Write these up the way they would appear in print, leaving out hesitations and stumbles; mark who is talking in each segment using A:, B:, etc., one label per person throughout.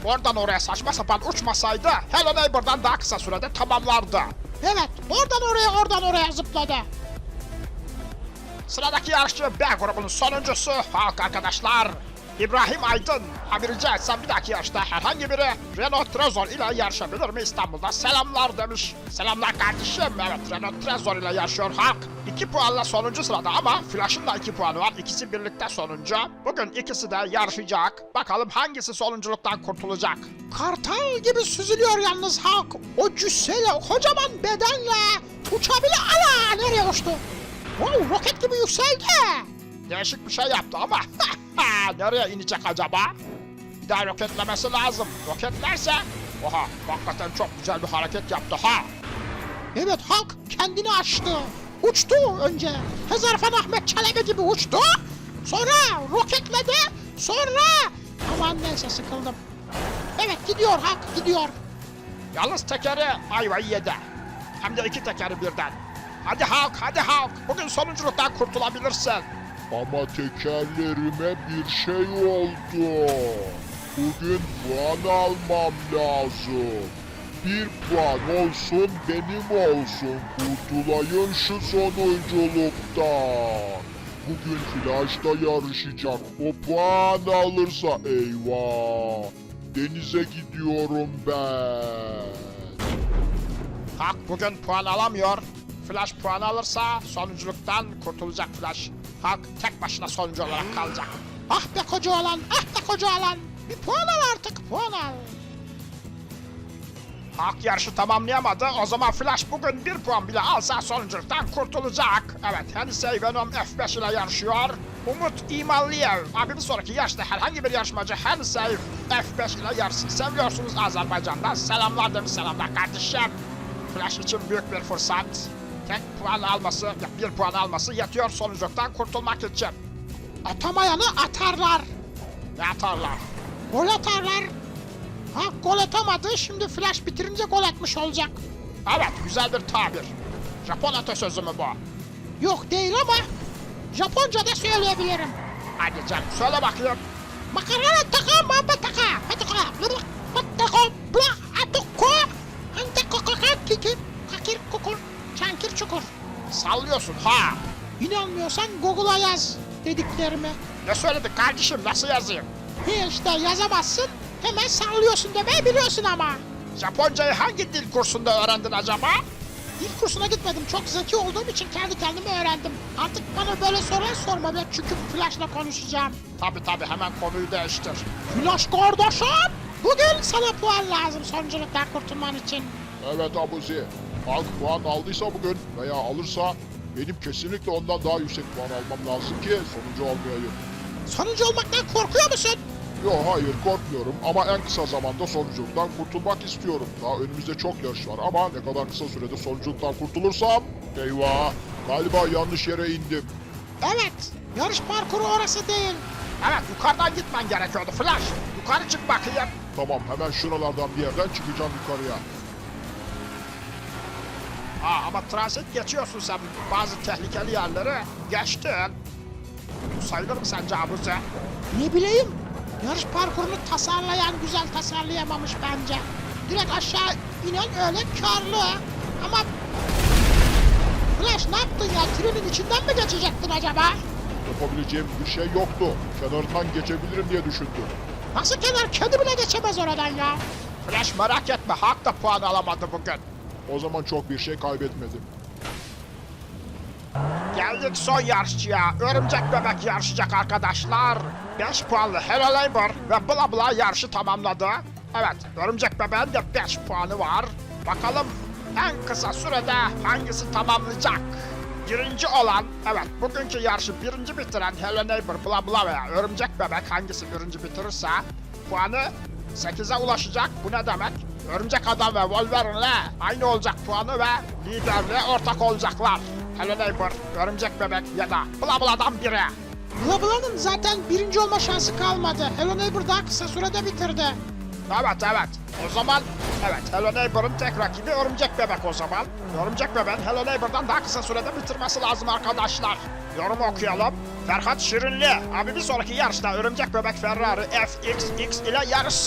A: oradan oraya saçma sapan uçmasaydı Hello Neighbor'dan daha kısa sürede tamamlardı.
B: Evet, oradan oraya zıpladı.
A: Sıradaki yarışçı B grubunun sonuncusu Hulk arkadaşlar. İbrahim Aydın. Ha rica etsem bir dahaki yarışta herhangi biri Renault Trezor ile yarışabilir mi İstanbul'da? Selamlar demiş. Selamlar kardeşim. Evet, Renault Trezor ile yarışıyor Hulk. 2 puanla sonuncu sırada ama Flash'ın da 2 puanı var. İkisi birlikte sonuncu. Bugün ikisi de yarışacak. Bakalım hangisi sonunculuktan kurtulacak?
B: Kartal gibi süzülüyor yalnız Hulk. O cüsseyle, o kocaman bedenle uçabilir. Ala, nereye uçtu? Wow, roket gibi yükseldi.
A: Değişik bir şey yaptı ama nereye inecek acaba? Bir daha roketlemesi lazım. Roketlerse oha, hakikaten çok güzel bir hareket yaptı ha.
B: Evet, Hulk kendini açtı. Uçtu önce. Hezarfen Ahmet Çelebi gibi uçtu. Sonra roketledi. Sonra... Aman neyse, sıkıldım. Evet, gidiyor Hulk, gidiyor.
A: Yalnız tekeri ayvayı yedi. Hem de 2 tekeri birden. Hadi Hulk, hadi Hulk. Bugün sonunculuktan kurtulabilirsin.
C: Ama tekerlerime bir şey oldu. Bugün puan almam lazım. 1 puan olsun benim olsun. Kurtulayım şu sonunculuktan. Bugün Flash'ta yarışacak. O puan alırsa eyvah. Denize gidiyorum ben.
A: Hulk bugün puan alamıyor. Flash puan alırsa sonunculuktan kurtulacak Flash. Hulk tek başına sonuncu olarak kalacak.
B: Ah be koca olan, ah be koca olan. Bir puan al artık, puan al.
A: Hulk yarışı tamamlayamadı. O zaman Flash bugün 1 puan bile alsa sonunculuktan kurtulacak. Evet, Henisey Venom F5 ile yarışıyor. Umut İmalliyev. Abi bir sonraki yarışta herhangi bir yarışmacı Henisey F5 ile yarışsın. Seviyorsunuz Azerbaycan'dan. Selamlar demiş, selamlar kardeşim. Flash için büyük bir fırsat. Tek puan alması, ya 1 puan alması yetiyor sonunculuktan kurtulmak için.
B: Atamayanı atarlar.
A: Ne atarlar?
B: Gol atarlar. Ha, gol atamadı, şimdi Flash bitirince gol atmış olacak.
A: Evet, güzel bir tabir. Japon atasözü mü bu?
B: Yok değil ama Japonca da söyleyebilirim.
A: Hadi canım, söyle bakayım.
B: Makarana taka mamba taka. Pataka. Pataka. Bla atoko. Ante kokaka kikir. Kakir kukur. Çankir çukur.
A: Sallıyorsun ha.
B: İnanmıyorsan Google'a yaz dediklerimi.
A: Ne söyledin kardeşim, nasıl yazayım?
B: He işte, yazamazsın. Hemen sallıyorsun demeyi biliyorsun ama.
A: Japoncayı hangi dil kursunda öğrendin acaba?
B: Dil kursuna gitmedim. Çok zeki olduğum için kendi kendime öğrendim. Artık bana böyle sorular sorma be. Çünkü Flash'la konuşacağım.
A: Tabi hemen konuyu değiştir.
B: Flash kardeşim, bugün sana puan lazım sonunculuktan kurtulman için.
C: Evet Abuzi. Hulk puan aldıysa bugün veya alırsa benim kesinlikle ondan daha yüksek puan almam lazım ki sonuncu olmayayım.
B: Sonuncu olmaktan korkuyor musun?
C: Yo hayır korkmuyorum ama en kısa zamanda sonunculuktan kurtulmak istiyorum. Daha önümüzde çok yarış var ama ne kadar kısa sürede sonunculuktan kurtulursam eyvah galiba yanlış yere indim.
B: Evet, yarış parkuru orası değil.
A: Evet, yukarıdan gitmen gerekiyordu Flash. Yukarı çık bakayım.
C: Tamam hemen şuralardan bir yerden çıkacağım yukarıya.
A: Ama transit geçiyorsun sen bazı tehlikeli yerleri. Geçtin. Bu sayılır mı sence Abuzi?
B: Ne bileyim, yarış parkurunu tasarlayan güzel tasarlayamamış bence. Direkt aşağı inen öyle karlı. Ama Flash, ne yaptın ya? Trenin içinden mi geçecektin acaba?
C: Yapabileceğim bir şey yoktu. Kenarından geçebilirim diye düşündüm.
B: Nasıl kenar? Kedi bile geçemez oradan ya.
A: Flash merak etme, Hulk da puan alamadı bugün.
C: O zaman çok bir şey kaybetmedim.
A: Geldik son yarışçıya. Örümcek Bebek yarışacak arkadaşlar. 5 puanlı Hello Neighbor ve Bla Bla yarışı tamamladı. Evet, Örümcek Bebek'in de 5 puanı var. Bakalım en kısa sürede hangisi tamamlayacak? Birinci olan, evet bugünkü yarışı birinci bitiren Hello Neighbor, Bla Bla veya Örümcek Bebek hangisi birinci bitirirse puanı 8'e ulaşacak. Bu ne demek? Örümcek Adam ve Wolverine'le aynı olacak puanı ve liderliğe ortak olacaklar. Hello Neighbor, Örümcek Bebek ya da Bla Bla'dan biri.
B: Bla Bla'nın zaten birinci olma şansı kalmadı. Hello Neighbor daha kısa sürede bitirdi.
A: Evet. O zaman evet, Hello Neighbor'ın tek rakibi Örümcek Bebek o zaman. Örümcek Bebek'in Hello Neighbor'dan daha kısa sürede bitirmesi lazım arkadaşlar. Yorumu okuyalım. Ferhat Şirinli. Abi bir sonraki yarışta Örümcek Bebek Ferrari FXX ile yarışsın.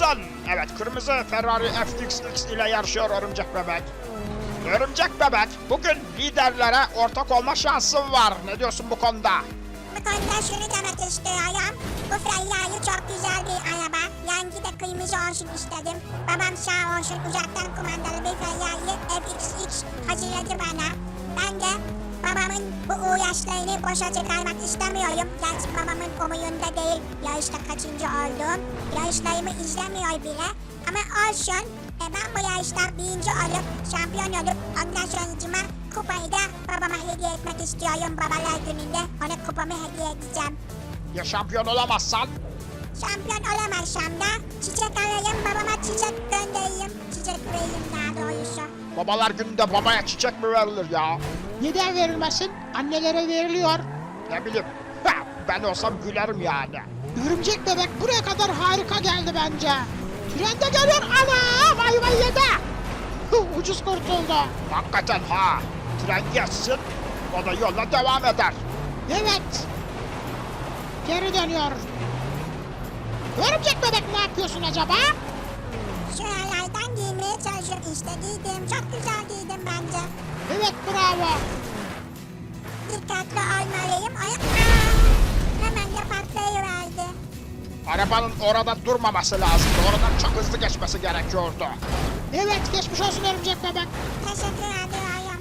A: Evet, kırmızı Ferrari FXX ile yarışıyor Örümcek Bebek. Örümcek Bebek, bugün liderlere ortak olma şansın var. Ne diyorsun bu konuda?
D: Bu konuda şunu demek istiyorum. Bu Ferrari çok güzel bir araba. Rengi de kırmızı olsun istedim. Babam sağ olsun uzaktan kumandalı bir Ferrari FXX hazırladı bana. Ben de babamın bu uğraşlarını boşa çıkarmak istemiyorum. Gerçi babamın umurunda değil. Yarışta kaçıncı oldum. Yarışlarımı izlemiyor bile. Ama olsun. Ben bu yarışta birinci olup şampiyon olup ondan sonucuma kupayı da babama hediye etmek istiyorum. Babalar gününde ona kupamı hediye edeceğim.
A: Ya şampiyon olamazsan?
D: Şampiyon olamazsam da çiçek alayım, babama çiçek göndereyim. Çiçek vereyim daha doğrusu.
A: Babalar gününde babaya çiçek mi verilir ya?
B: Neden verilmesin? Annelere veriliyor.
A: Ne bileyim. Ha, ben olsam gülerim yani.
B: Örümcek bebek buraya kadar harika geldi bence. Trende geliyor. Ana! Vay vay yedi. Ucuz kurtuldu.
A: Hakikaten ha. Tren geçsin, o da yoluna devam eder.
B: Evet. Geri dönüyor. Örümcek bebek ne yapıyorsun acaba?
D: Şuralardan giymeye çalışıyorum işte giydim. Çok güzel giydim bence.
B: Evet bravo.
D: Dikkatli olmalıyım. Ay, hemen de patlayıverdi.
A: Arabanın orada durmaması lazımdı. Oradan çok hızlı geçmesi gerekiyordu.
B: Evet geçmiş olsun örümcek bebek.
D: Teşekkür ediyorum.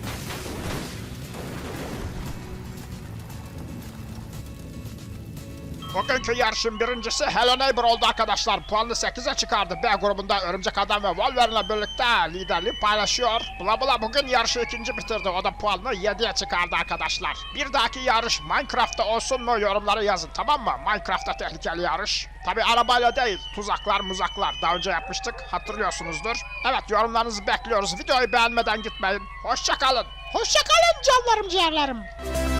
A: Bugünkü yarışın birincisi Hello Neighbor oldu arkadaşlar. Puanını 8'e çıkardı. B grubunda Örümcek Adam ve Wolverine'le birlikte liderliği paylaşıyor. Bla Bla bugün yarışı ikinci bitirdi. O da puanını 7'ye çıkardı arkadaşlar. Bir dahaki yarış Minecraft'ta olsun mu yorumlara yazın, tamam mı? Minecraft'ta tehlikeli yarış. Tabi arabayla değil, tuzaklar muzaklar. Daha önce yapmıştık, hatırlıyorsunuzdur. Evet, yorumlarınızı bekliyoruz. Videoyu beğenmeden gitmeyin. Hoşça kalın.
B: Hoşça kalın canlarım ciğerlerim.